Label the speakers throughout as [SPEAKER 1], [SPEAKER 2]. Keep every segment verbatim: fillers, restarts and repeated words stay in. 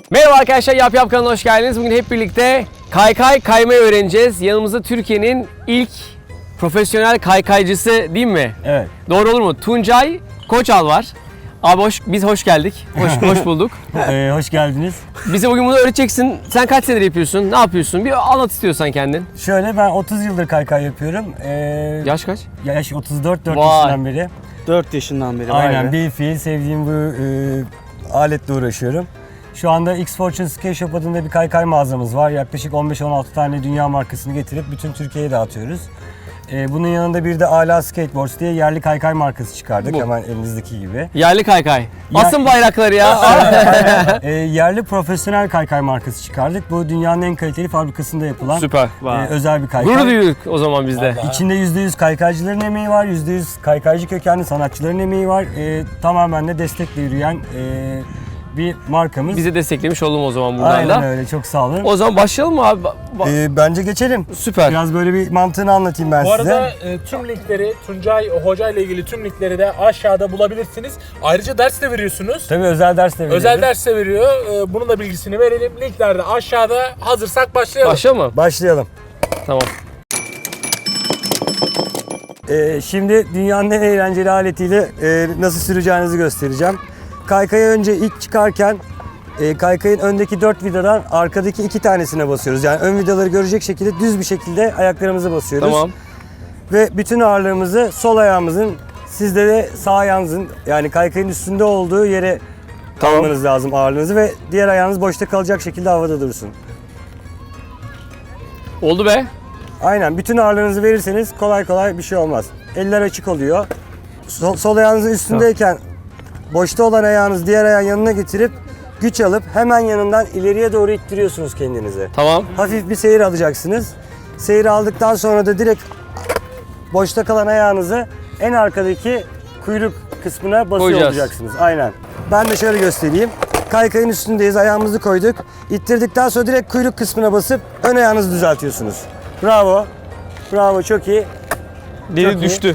[SPEAKER 1] Merhaba arkadaşlar, Yap Yap kanalına hoş geldiniz. Bugün hep birlikte kaykay kaymayı öğreneceğiz. Yanımızda Türkiye'nin ilk profesyonel kaykaycısı değil mi?
[SPEAKER 2] Evet.
[SPEAKER 1] Doğru olur mu? Tuncay Koçal var. Abi hoş, biz hoş geldik. Hoş, hoş bulduk.
[SPEAKER 2] Ee, hoş geldiniz.
[SPEAKER 1] Bize bugün bunu öğreteceksin. Sen kaç senedir yapıyorsun? Ne yapıyorsun? Bir anlat istiyorsan kendin.
[SPEAKER 2] Şöyle ben otuz yıldır kaykay yapıyorum. Ee,
[SPEAKER 1] Yaş kaç?
[SPEAKER 2] Yaş otuz dört, dört
[SPEAKER 1] Vay.
[SPEAKER 2] yaşından beri.
[SPEAKER 3] dört yaşından beri. vay
[SPEAKER 2] Aynen
[SPEAKER 3] be.
[SPEAKER 2] bir fiil sevdiğim bu e, aletle uğraşıyorum. Şu anda X Fortune Skate Shop adında bir kaykay mağazamız var. Yaklaşık on beş on altı tane dünya markasını getirip bütün Türkiye'ye dağıtıyoruz. Ee, bunun yanında bir de Ala Skateboards diye yerli kaykay markası çıkardık.
[SPEAKER 1] Bu.
[SPEAKER 2] Hemen elinizdeki gibi.
[SPEAKER 1] Yerli kaykay.
[SPEAKER 2] Ya-
[SPEAKER 1] Asın bayrakları ya.
[SPEAKER 2] Ee, yerli profesyonel kaykay markası çıkardık. Bu dünyanın en kaliteli fabrikasında yapılan
[SPEAKER 1] Süper.
[SPEAKER 2] e, özel bir kaykay.
[SPEAKER 1] Gurur duyduk o zaman biz de.
[SPEAKER 2] İçinde yüzde yüz kaykaycıların emeği var, yüzde yüz kaykaycı kökenli sanatçıların emeği var. Ee, tamamen de destekle yürüyen e, bir markamız.
[SPEAKER 1] Bizi desteklemiş oldum o zaman buradan
[SPEAKER 2] Aynen
[SPEAKER 1] da.
[SPEAKER 2] öyle, çok sağ olun.
[SPEAKER 1] O zaman başlayalım mı abi? Ba- ba-
[SPEAKER 2] Ee, bence geçelim.
[SPEAKER 1] Süper.
[SPEAKER 2] Biraz böyle bir mantığını anlatayım ben
[SPEAKER 4] Bu
[SPEAKER 2] size.
[SPEAKER 4] arada e, tüm linkleri, Tuncay Hoca ile ilgili tüm linkleri de aşağıda bulabilirsiniz. Ayrıca ders de veriyorsunuz.
[SPEAKER 2] Tabii özel ders de veriyoruz.
[SPEAKER 4] Özel ders de veriyor. E, bunun da bilgisini verelim. Linkler de aşağıda. Hazırsak başlayalım.
[SPEAKER 1] Başlayalım mı?
[SPEAKER 2] Başlayalım.
[SPEAKER 1] Tamam.
[SPEAKER 2] Ee, şimdi dünyanın en eğlenceli aletiyle e, nasıl süreceğinizi göstereceğim. Kaykaya önce ilk çıkarken e, kaykayın öndeki dört vidadan arkadaki iki tanesine basıyoruz. Yani ön vidaları görecek şekilde düz bir şekilde ayaklarımızı basıyoruz.
[SPEAKER 1] Tamam.
[SPEAKER 2] Ve bütün ağırlığımızı sol ayağımızın, sizde de sağ ayağınızın yani kaykayın üstünde olduğu yere
[SPEAKER 1] Tamam.
[SPEAKER 2] almanız lazım ağırlığınızı ve diğer ayağınız boşta kalacak şekilde havada dursun.
[SPEAKER 1] Oldu be.
[SPEAKER 2] Aynen, bütün ağırlığınızı verirseniz kolay kolay bir şey olmaz. Eller açık oluyor. Sol, sol ayağınızın üstündeyken boşta olan ayağınız diğer ayağın yanına getirip güç alıp hemen yanından ileriye doğru ittiriyorsunuz kendinizi.
[SPEAKER 1] Tamam.
[SPEAKER 2] Hafif bir seyir alacaksınız. Seyir aldıktan sonra da direkt boşta kalan ayağınızı en arkadaki kuyruk kısmına basıyor
[SPEAKER 1] Koyacağız.
[SPEAKER 2] olacaksınız. Aynen. Ben de şöyle göstereyim. Kaykayın üstündeyiz, ayağımızı koyduk. İttirdikten sonra direkt kuyruk kısmına basıp ön ayağınızı düzeltiyorsunuz. Bravo. Bravo, çok iyi.
[SPEAKER 1] Deli
[SPEAKER 2] Çok iyi.
[SPEAKER 1] düştü.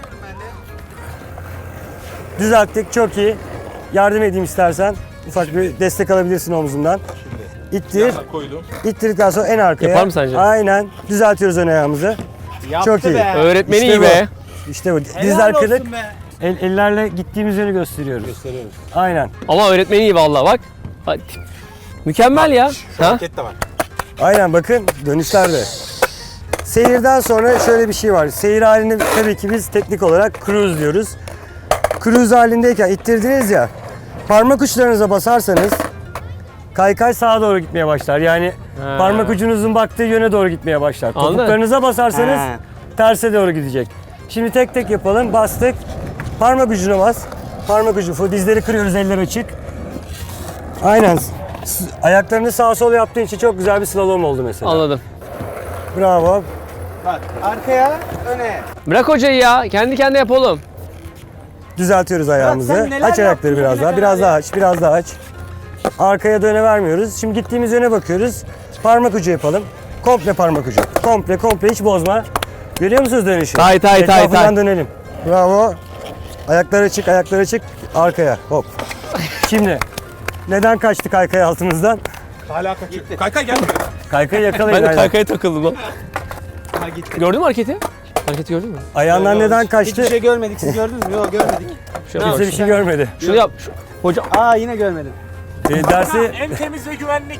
[SPEAKER 2] Düzelttik, çok iyi. Yardım edeyim istersen. Ufak bir destek alabilirsin omzumdan. İttir. İttirdikten sonra en arkaya.
[SPEAKER 1] Yapar mı sence?
[SPEAKER 2] Aynen. Düzeltiyoruz ön ayağımızı.
[SPEAKER 3] Yaptı
[SPEAKER 2] Çok iyi.
[SPEAKER 3] be.
[SPEAKER 1] Öğretmeni
[SPEAKER 2] İşte
[SPEAKER 1] iyi
[SPEAKER 2] bu.
[SPEAKER 1] be.
[SPEAKER 2] İşte bu.
[SPEAKER 3] Helal
[SPEAKER 2] Dizler
[SPEAKER 3] olsun
[SPEAKER 2] kırık.
[SPEAKER 3] be.
[SPEAKER 2] El, ellerle gittiğimiz yönü gösteriyoruz.
[SPEAKER 4] Gösteriyoruz.
[SPEAKER 2] Aynen.
[SPEAKER 1] Ama öğretmeni iyi vallahi bak. Hadi. Mükemmel ya. Ha?
[SPEAKER 4] Hareket de var.
[SPEAKER 2] Aynen, bakın dönüşlerde. Seyirden sonra şöyle bir şey var. Seyir halinde tabii ki biz teknik olarak cruise diyoruz. Cruise halindeyken ittirdiniz ya, parmak uçlarınıza basarsanız kaykay sağa doğru gitmeye başlar. Yani
[SPEAKER 1] Ha.
[SPEAKER 2] parmak ucunuzun baktığı yöne doğru gitmeye başlar.
[SPEAKER 1] Anladın.
[SPEAKER 2] Topuklarınıza basarsanız
[SPEAKER 3] Ha.
[SPEAKER 2] terse doğru gidecek. Şimdi tek tek yapalım. Bastık. Parmak ucuna bas. Parmak ucu. Fu- Dizleri kırıyoruz, eller açık. Aynen. S- Ayaklarını sağa sola yaptığın için çok güzel bir slalom oldu mesela.
[SPEAKER 1] Anladım.
[SPEAKER 2] Bravo.
[SPEAKER 3] Bak arkaya, öne.
[SPEAKER 1] Bırak hocayı ya. Kendi kendine yap oğlum.
[SPEAKER 2] Düzeltiyoruz ayağımızı.
[SPEAKER 3] sen neler
[SPEAKER 2] Aç ayakları
[SPEAKER 3] yaptın
[SPEAKER 2] biraz
[SPEAKER 3] bugüne
[SPEAKER 2] daha. Biraz
[SPEAKER 3] kadar
[SPEAKER 2] daha
[SPEAKER 3] ya?
[SPEAKER 2] aç. Biraz daha aç. Arkaya döne vermiyoruz. Şimdi gittiğimiz yöne bakıyoruz. Parmak ucu yapalım. Komple parmak ucu. Komple komple, hiç bozma. Görüyor musunuz dönüşü?
[SPEAKER 1] Tay, tay, tay,
[SPEAKER 2] Etrafından
[SPEAKER 1] tay.
[SPEAKER 2] dönelim. Bravo. Ayakları açık, ayakları açık. Arkaya. Hop. Şimdi neden kaçtı kaykay altımızdan?
[SPEAKER 4] Hala kaçıyor. Kaykay gel.
[SPEAKER 2] Kaykayı yakalayın.
[SPEAKER 1] Ben de
[SPEAKER 2] aynen.
[SPEAKER 1] kaykaya takıldım lan.
[SPEAKER 3] Ha gitti.
[SPEAKER 1] Gördün mü hareketi? Hareketi gördün mü?
[SPEAKER 2] Ayağından neden kaçtı?
[SPEAKER 3] Hiçbir şey görmedik. Siz gördünüz mü? Yok görmedik.
[SPEAKER 1] Şöyle bak.
[SPEAKER 2] Kimse bir şey görmedi.
[SPEAKER 1] Şunu yap. Şu- Hocam.
[SPEAKER 3] Aa yine görmedim.
[SPEAKER 2] Ee, dersi
[SPEAKER 4] En temiz ve güvenlik.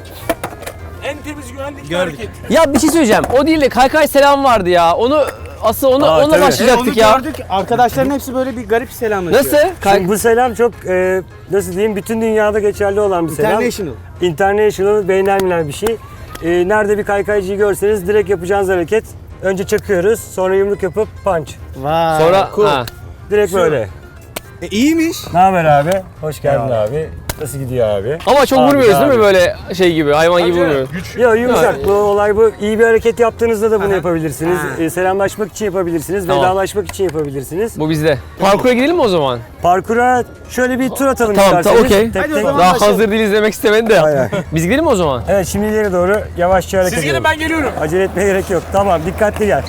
[SPEAKER 4] En temiz güvenlik
[SPEAKER 3] Gördük.
[SPEAKER 4] hareket.
[SPEAKER 1] Ya bir şey söyleyeceğim. O değil de kaykay selam vardı ya. Onu asıl onu
[SPEAKER 2] Aa,
[SPEAKER 1] onunla
[SPEAKER 2] tabii.
[SPEAKER 1] başlayacaktık
[SPEAKER 3] Onu
[SPEAKER 1] ya.
[SPEAKER 3] gördük. Arkadaşların hepsi böyle bir garip selamlaşıyor.
[SPEAKER 1] Nasıl? Kay-
[SPEAKER 2] Şimdi bu selam çok e, nasıl diyeyim, bütün dünyada geçerli olan bir selam.
[SPEAKER 3] International.
[SPEAKER 2] International, beynelmiler bir şey. E, nerede bir kaykaycıyı görseniz direkt yapacağınız hareket. Önce çakıyoruz, sonra yumruk yapıp punch.
[SPEAKER 3] Vay.
[SPEAKER 1] Sonra
[SPEAKER 3] cool.
[SPEAKER 1] ha.
[SPEAKER 2] Direkt böyle.
[SPEAKER 3] E, iyiymiş.
[SPEAKER 2] Ne haber abi? Hoş geldin abi. Nasıl gidiyor abi?
[SPEAKER 1] Ama çok
[SPEAKER 2] Abi,
[SPEAKER 1] vurmuyoruz değil
[SPEAKER 2] abi.
[SPEAKER 1] mi böyle şey gibi, hayvan gibi
[SPEAKER 4] Bence
[SPEAKER 1] vurmuyoruz.
[SPEAKER 4] güç.
[SPEAKER 2] Yo, yumuşak. Bu olay bu. İyi bir hareket yaptığınızda da bunu
[SPEAKER 3] Aha.
[SPEAKER 2] yapabilirsiniz.
[SPEAKER 3] Ha.
[SPEAKER 2] E, selamlaşmak için yapabilirsiniz.
[SPEAKER 1] Tamam.
[SPEAKER 2] Vedalaşmak için yapabilirsiniz.
[SPEAKER 1] Bu bizde. Parkura gidelim mi o zaman?
[SPEAKER 2] Parkura şöyle bir tur atalım
[SPEAKER 1] Tamam,
[SPEAKER 2] isterseniz.
[SPEAKER 1] tamam, okey.
[SPEAKER 2] Tek
[SPEAKER 3] Hadi o
[SPEAKER 2] tek.
[SPEAKER 3] zaman.
[SPEAKER 1] Daha
[SPEAKER 3] başlayalım.
[SPEAKER 1] hazır değiliz demek istemedi de.
[SPEAKER 2] Aynen.
[SPEAKER 1] Biz gidelim mi o zaman?
[SPEAKER 2] Evet, şimdi ileri doğru yavaşça hareket
[SPEAKER 4] Siz
[SPEAKER 2] edelim.
[SPEAKER 4] gelin, ben geliyorum.
[SPEAKER 2] Acele etmeye gerek yok. Tamam, dikkatli gel.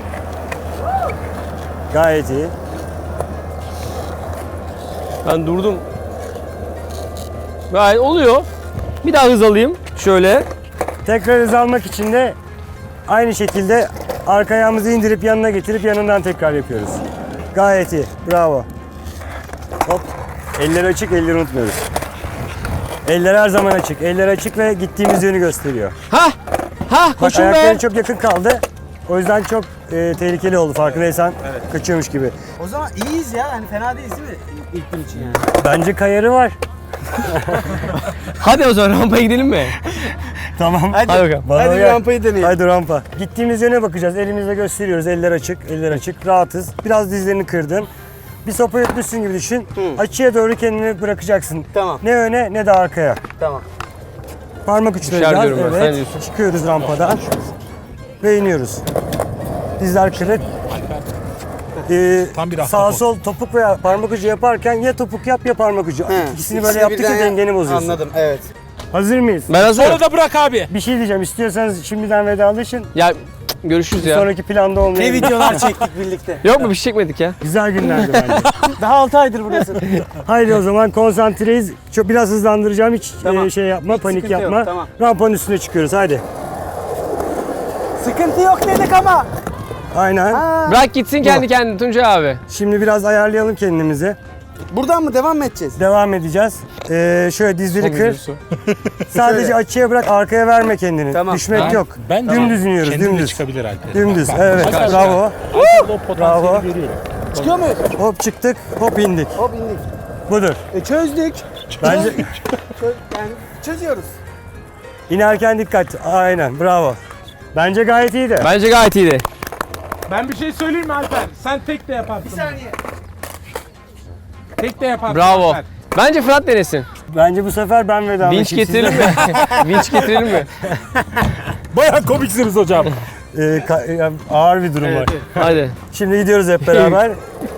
[SPEAKER 2] Gayet iyi.
[SPEAKER 1] Ben durdum. Gayet oluyor. Bir daha hız alayım. Şöyle.
[SPEAKER 2] Tekrar hız almak için de aynı şekilde arka ayağımızı indirip yanına getirip yanından tekrar yapıyoruz. Gayet iyi. Bravo. Hop. Eller açık, elleri unutmuyoruz. Eller her zaman açık. Eller açık ve gittiğimiz yönü gösteriyor.
[SPEAKER 1] Ha! Ha
[SPEAKER 2] Bak
[SPEAKER 1] koşun
[SPEAKER 2] ayakları
[SPEAKER 1] be.
[SPEAKER 2] çok yakın kaldı. O yüzden çok e, tehlikeli oldu farkındaysan. Kaçıyormuş gibi.
[SPEAKER 3] O zaman iyiyiz ya. Hani fena değiliz değil mi? İlk gün için yani.
[SPEAKER 2] Bence kayarı var.
[SPEAKER 1] Hadi o zaman rampaya gidelim mi?
[SPEAKER 2] Tamam.
[SPEAKER 3] Hadi,
[SPEAKER 1] Hadi bakalım.
[SPEAKER 2] Bana
[SPEAKER 3] hadi bir
[SPEAKER 2] uyar.
[SPEAKER 3] rampayı deneyelim.
[SPEAKER 2] Haydi rampa. Gittiğimiz yöne bakacağız. Elimizle gösteriyoruz. Eller açık, eller açık. Rahatız. Biraz dizlerini kırdın. Bir sopa yutmuşsun gibi düşün. Açıya doğru kendini bırakacaksın.
[SPEAKER 3] Tamam.
[SPEAKER 2] Ne öne ne de arkaya.
[SPEAKER 3] Tamam.
[SPEAKER 2] Parmak uçları
[SPEAKER 1] Düşer
[SPEAKER 2] biraz.
[SPEAKER 1] diyorum ben, sen
[SPEAKER 2] Evet.
[SPEAKER 1] diyorsun.
[SPEAKER 2] Çıkıyoruz rampadan. Ve iniyoruz. Dizler kırık. Ee,
[SPEAKER 4] Tam bir
[SPEAKER 2] sağ
[SPEAKER 4] ahtapot.
[SPEAKER 2] sol topuk veya parmak ucu yaparken ya topuk yap ya parmak ucu.
[SPEAKER 3] He,
[SPEAKER 2] İkisini böyle
[SPEAKER 3] ikisini
[SPEAKER 2] yaptıkça
[SPEAKER 3] birden
[SPEAKER 2] dengeni bozuyorsun.
[SPEAKER 3] Anladım, evet.
[SPEAKER 2] Hazır mıyız?
[SPEAKER 1] Ben hazırım.
[SPEAKER 4] Sonra da bırak abi.
[SPEAKER 2] Bir şey diyeceğim. İstiyorsanız şimdiden vedalaşın.
[SPEAKER 1] Ya görüşürüz ya.
[SPEAKER 2] Sonraki planda
[SPEAKER 3] Ne
[SPEAKER 2] olmayabilir.
[SPEAKER 3] videolar çektik birlikte.
[SPEAKER 1] Yok mu bir şey çekmedik ya?
[SPEAKER 2] Güzel günlerdi bence.
[SPEAKER 3] Daha altı aydır burası.
[SPEAKER 2] Haydi o zaman konsantreyiz. Çok biraz hızlandıracağım. Hiç
[SPEAKER 3] Tamam.
[SPEAKER 2] e, şey yapma,
[SPEAKER 3] Hiç
[SPEAKER 2] panik
[SPEAKER 3] sıkıntı yok,
[SPEAKER 2] yapma.
[SPEAKER 3] tamam.
[SPEAKER 2] Rampanın üstüne çıkıyoruz. Haydi.
[SPEAKER 3] Sıkıntı yok dedik ama.
[SPEAKER 2] Aynen.
[SPEAKER 3] Ha.
[SPEAKER 1] Bırak gitsin kendi kendine Tuncay abi.
[SPEAKER 2] Şimdi biraz ayarlayalım kendimizi.
[SPEAKER 3] Buradan mı devam mı edeceğiz?
[SPEAKER 2] Devam edeceğiz. Ee, şöyle dizleri kır. Sadece
[SPEAKER 3] Şöyle.
[SPEAKER 2] açıya bırak, arkaya verme kendini.
[SPEAKER 3] Tamam.
[SPEAKER 2] Düşmek
[SPEAKER 4] Ben-
[SPEAKER 2] yok.
[SPEAKER 4] Bence
[SPEAKER 2] Dümdüz iniyoruz,
[SPEAKER 4] kendine
[SPEAKER 2] dümdüz.
[SPEAKER 4] çıkabilir Alper.
[SPEAKER 2] Dümdüz,
[SPEAKER 4] Bak,
[SPEAKER 2] evet.
[SPEAKER 4] bak,
[SPEAKER 2] Bravo.
[SPEAKER 4] Alper o potansiyeli
[SPEAKER 2] Bravo.
[SPEAKER 4] veriyorum.
[SPEAKER 3] Çıkıyor muyuz?
[SPEAKER 2] Hop çıktık, hop indik.
[SPEAKER 3] Hop indik.
[SPEAKER 2] Budur.
[SPEAKER 3] E çözdük.
[SPEAKER 2] Bence
[SPEAKER 3] Çö- yani çözüyoruz.
[SPEAKER 2] inerken dikkat. Aynen, bravo. Bence gayet iyiydi.
[SPEAKER 1] Bence gayet iyiydi.
[SPEAKER 4] Ben bir şey söyleyeyim mi Alper? Sen tek de yaparsın.
[SPEAKER 3] Bir saniye.
[SPEAKER 4] Tek de yaparsın
[SPEAKER 1] Bravo.
[SPEAKER 4] Alper.
[SPEAKER 1] Bence Fırat denesin.
[SPEAKER 2] Bence bu sefer ben vedalaşayım.
[SPEAKER 1] Vinç getirelim
[SPEAKER 2] Siz de-
[SPEAKER 1] mi? Vinç getirelim mi?
[SPEAKER 4] Baya komiksiniz hocam.
[SPEAKER 2] Ee, ka- ya, ağır bir durum var.
[SPEAKER 3] Evet, evet.
[SPEAKER 1] Hadi.
[SPEAKER 2] Şimdi gidiyoruz hep beraber.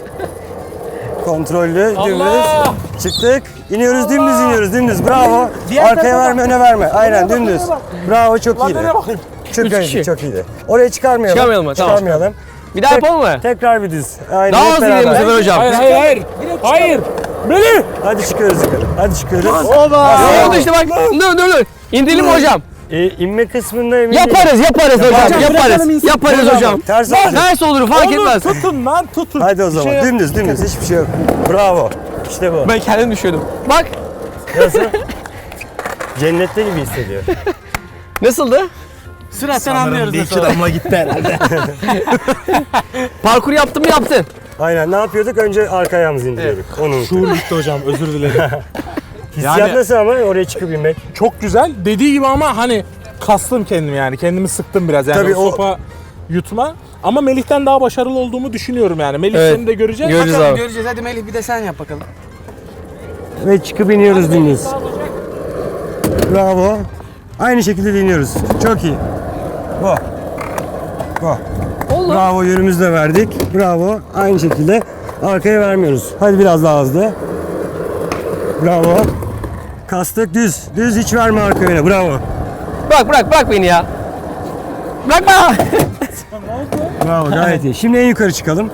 [SPEAKER 2] Kontrollü,
[SPEAKER 4] Allah!
[SPEAKER 2] dümdüz. Çıktık. İniyoruz, dümdüz iniyoruz, dümdüz. Bravo.
[SPEAKER 3] Diğer
[SPEAKER 2] Arkaya
[SPEAKER 3] tarafa
[SPEAKER 2] verme, öne verme. Aynen dümdüz. Bravo, çok iyiydi.
[SPEAKER 4] Nereye bakayım?
[SPEAKER 2] Çok
[SPEAKER 1] Üç
[SPEAKER 2] iyiydi,
[SPEAKER 1] kişi.
[SPEAKER 2] çok iyiydi. Oraya çıkarmayalım.
[SPEAKER 1] Çıkarmayalım mı? Tamam.
[SPEAKER 2] Çıkarmayalım.
[SPEAKER 1] Bir daha yapalım mı?
[SPEAKER 2] Tekrar bir düz. Aynen.
[SPEAKER 1] Daha
[SPEAKER 2] hep
[SPEAKER 1] hızlı gidelim bu
[SPEAKER 2] beraber.
[SPEAKER 1] sefer hocam.
[SPEAKER 4] Hayır hayır hayır. Hayır. Melih.
[SPEAKER 2] Hadi çıkıyoruz yukarı. Hadi çıkıyoruz.
[SPEAKER 3] Oba.
[SPEAKER 1] Ne oldu işte bak. Dur dur dur. İndirelim mi hocam?
[SPEAKER 2] Ee, inme kısmında emin değilim.
[SPEAKER 1] Yaparız yaparız hocam.
[SPEAKER 3] Hocam, bırakalım
[SPEAKER 1] Yaparız.
[SPEAKER 3] insin.
[SPEAKER 1] Yaparız
[SPEAKER 2] Tamam,
[SPEAKER 1] hocam.
[SPEAKER 2] Ters olacak.
[SPEAKER 1] Ters olur fark
[SPEAKER 4] Oğlum
[SPEAKER 1] etmez.
[SPEAKER 4] tutun lan tutun.
[SPEAKER 2] Hadi o
[SPEAKER 4] Bir
[SPEAKER 2] zaman.
[SPEAKER 4] şey yap-
[SPEAKER 2] dümdüz, dümdüz. Hiçbir şey yok. Bravo. İşte bu.
[SPEAKER 1] Ben kendim düşüyordum. Bak
[SPEAKER 2] Nasıl? Cennette gibi hissediyor.
[SPEAKER 1] nasıldı?
[SPEAKER 3] Sıradan anlıyoruz nasıl.
[SPEAKER 4] damla gitti herhalde.
[SPEAKER 1] Parkur yaptın mı yaptın.
[SPEAKER 2] Aynen. Ne yapıyorduk? Önce arka ayağımızı indiriyorduk. Onu unuttuk.
[SPEAKER 4] Şuur gitti hocam özür dilerim.
[SPEAKER 2] Hissiyat
[SPEAKER 4] Yani-
[SPEAKER 2] nasıl ama oraya çıkıp inmek?
[SPEAKER 4] Çok güzel. Dediği gibi ama hani kastım kendimi yani. Kendimi sıktım biraz. Yani
[SPEAKER 2] Tabii
[SPEAKER 4] o
[SPEAKER 2] o-
[SPEAKER 4] sopa yutma. Ama Melih'ten daha başarılı olduğumu düşünüyorum yani. Melih
[SPEAKER 1] Evet.
[SPEAKER 4] seni de göreceğiz.
[SPEAKER 1] Göreceğiz
[SPEAKER 3] Bakalım
[SPEAKER 1] abi.
[SPEAKER 3] göreceğiz. Hadi Melih bir de sen yap bakalım.
[SPEAKER 2] Ve çıkıp iniyoruz dümdüz. Bravo. Aynı şekilde de iniyoruz. Çok iyi. Bu. Bu.
[SPEAKER 1] Oldu.
[SPEAKER 2] Bravo, yönümüzü de verdik. Bravo. Aynı şekilde arkaya vermiyoruz. Hadi biraz daha hızlı. Bravo. Kastık düz. Düz, hiç verme arka yöne. Bravo.
[SPEAKER 1] Bırak bırak bırak beni ya. Bırakma.
[SPEAKER 2] Bravo, gayet iyi. Şimdi en yukarı çıkalım.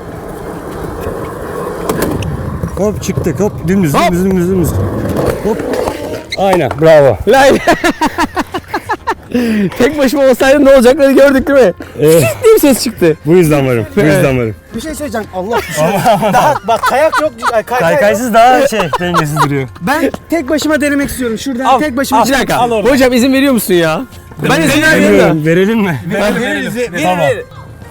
[SPEAKER 2] Hop çıktık. Hop dümdüz,
[SPEAKER 1] Hop.
[SPEAKER 2] dümdüz, dümdüz, dümdüz. Hop. Aynen. Bravo.
[SPEAKER 1] Lay. Tek başıma olsaydım ne olacakları gördük değil mi?
[SPEAKER 2] Evet.
[SPEAKER 1] Diye bir ses çıktı.
[SPEAKER 2] Bu yüzden varım. Bu yüzden varım.
[SPEAKER 3] Bir şey söyleyeceğim. Allah bir şey. Daha bak kayak yok. Ay, kay- kay-
[SPEAKER 2] Kaykaysız daha şey dengesiz duruyor.
[SPEAKER 3] Ben tek başıma denemek istiyorum. Şuradan
[SPEAKER 4] Al,
[SPEAKER 3] tek başıma.
[SPEAKER 4] al.
[SPEAKER 1] Bir dakika.
[SPEAKER 4] Al orada.
[SPEAKER 1] Hocam izin veriyor musun ya? Ben izin vermiyorum da.
[SPEAKER 2] Bilmiyorum, verelim mi?
[SPEAKER 3] Veririz. Verir,
[SPEAKER 2] Tamam.
[SPEAKER 3] verir.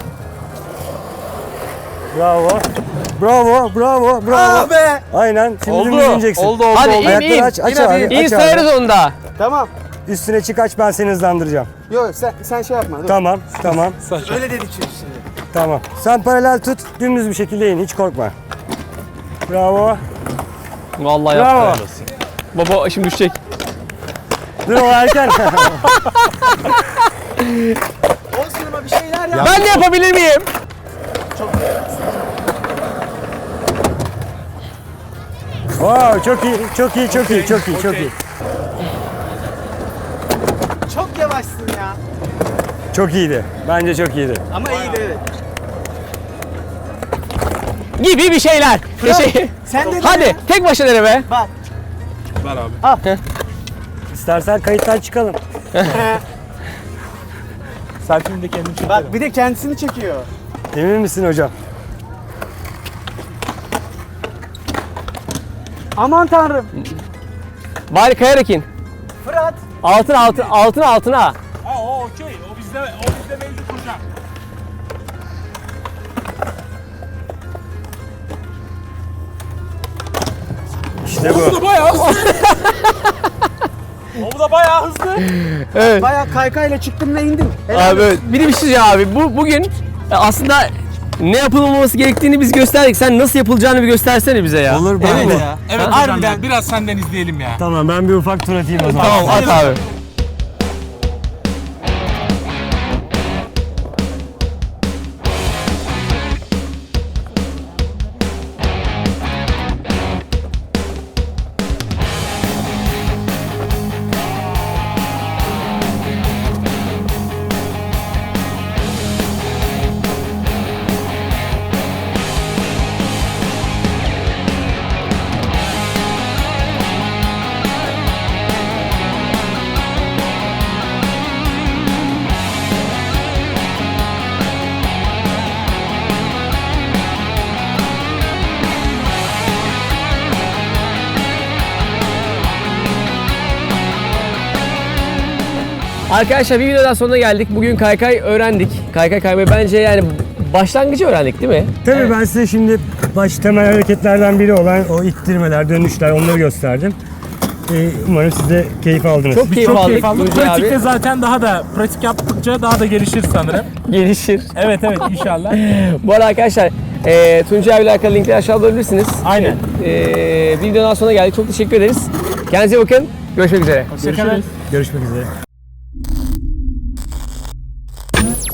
[SPEAKER 2] Bravo. Bravo, bravo, bravo.
[SPEAKER 3] Ah be.
[SPEAKER 2] Aynen. Şimdi dümdüz ineceksin.
[SPEAKER 4] Oldu oldu.
[SPEAKER 1] Hadi
[SPEAKER 4] oldu.
[SPEAKER 1] in
[SPEAKER 2] Ayakları
[SPEAKER 1] in.
[SPEAKER 2] aç, aç
[SPEAKER 3] İn hadi.
[SPEAKER 2] abi.
[SPEAKER 1] İn
[SPEAKER 2] aç
[SPEAKER 1] sayarız
[SPEAKER 2] abi.
[SPEAKER 1] onda.
[SPEAKER 3] Tamam.
[SPEAKER 2] Üstüne çık, aç, ben seni hızlandıracağım.
[SPEAKER 3] Yok sen, sen şey yapma. Dur.
[SPEAKER 2] Tamam, tamam,
[SPEAKER 4] Saçma.
[SPEAKER 3] Öyle dedik çünkü şimdi.
[SPEAKER 2] tamam. Sen paralel tut, dümdüz bir şekilde in, hiç korkma. Bravo.
[SPEAKER 1] Vallahi
[SPEAKER 2] Bravo.
[SPEAKER 1] yaptı. Baba şimdi düşecek.
[SPEAKER 2] Dur o erken.
[SPEAKER 3] Olsun ama bir şeyler yap.
[SPEAKER 1] Ben de yapabilir miyim?
[SPEAKER 2] Wow, çok iyi, çok iyi, çok iyi, çok iyi, çok iyi.
[SPEAKER 3] Çok yavaşsın ya.
[SPEAKER 2] Çok iyiydi. Bence çok iyiydi.
[SPEAKER 3] Ama iyiydi evet.
[SPEAKER 1] Gibi bir şeyler. Teşekkür.
[SPEAKER 3] Sen de
[SPEAKER 1] Hadi tek başına dene be.
[SPEAKER 3] Bak.
[SPEAKER 4] Ver abi.
[SPEAKER 2] İstersen kayıttan çıkalım.
[SPEAKER 4] Selfie'mi de kendim çekerim.
[SPEAKER 3] Bak bir de kendisini çekiyor.
[SPEAKER 2] Emin misin hocam?
[SPEAKER 3] Aman tanrım.
[SPEAKER 1] Bari kayarak in.
[SPEAKER 3] Fırat.
[SPEAKER 1] Altına altına altına altına.
[SPEAKER 4] Ha o okey. O bizde, o bizde mevcut hocam.
[SPEAKER 2] İşte
[SPEAKER 4] Bu
[SPEAKER 2] bu.
[SPEAKER 4] da bayağı hızlı. O da bayağı hızlı.
[SPEAKER 1] Evet.
[SPEAKER 3] Bayağı kaykayla çıktım ve indim. Helal
[SPEAKER 1] Abi evet. Bir de bir şey diyeceğim abi. Bu bugün e, aslında ne yapılmaması gerektiğini biz gösterdik. Sen nasıl yapılacağını bir göstersene bize ya.
[SPEAKER 2] Olur ben
[SPEAKER 3] Evet
[SPEAKER 2] de.
[SPEAKER 3] ya.
[SPEAKER 4] Evet
[SPEAKER 3] Ha?
[SPEAKER 4] hocam
[SPEAKER 3] Harbiden.
[SPEAKER 4] ya. Biraz senden izleyelim ya.
[SPEAKER 2] Tamam ben bir ufak tur atayım o zaman.
[SPEAKER 1] Tamam at abi. Arkadaşlar bir videodan sonuna geldik. Bugün kaykay öğrendik. Kaykay kaymayı bence yani başlangıcı öğrendik değil mi?
[SPEAKER 2] Tabii ben size şimdi baş temel hareketlerden biri olan o ittirmeler, dönüşler onları gösterdim. Ee, umarım siz de keyif aldınız.
[SPEAKER 1] Çok keyif
[SPEAKER 4] Çok
[SPEAKER 1] aldık.
[SPEAKER 4] keyif aldık.
[SPEAKER 1] Tuncay
[SPEAKER 4] Pratikte
[SPEAKER 1] abi.
[SPEAKER 4] zaten daha da pratik yaptıkça daha da gelişir sanırım.
[SPEAKER 1] Gelişir.
[SPEAKER 4] Evet evet inşallah.
[SPEAKER 1] Bu arada arkadaşlar e, Tuncay abiyle alakalı linkleri aşağıda bulabilirsiniz.
[SPEAKER 4] Aynen.
[SPEAKER 1] E, videodan sonuna geldik. Çok teşekkür ederiz. Kendinize iyi bakın. Görüşmek üzere.
[SPEAKER 4] Hoşçakalın.
[SPEAKER 2] Görüşmek üzere.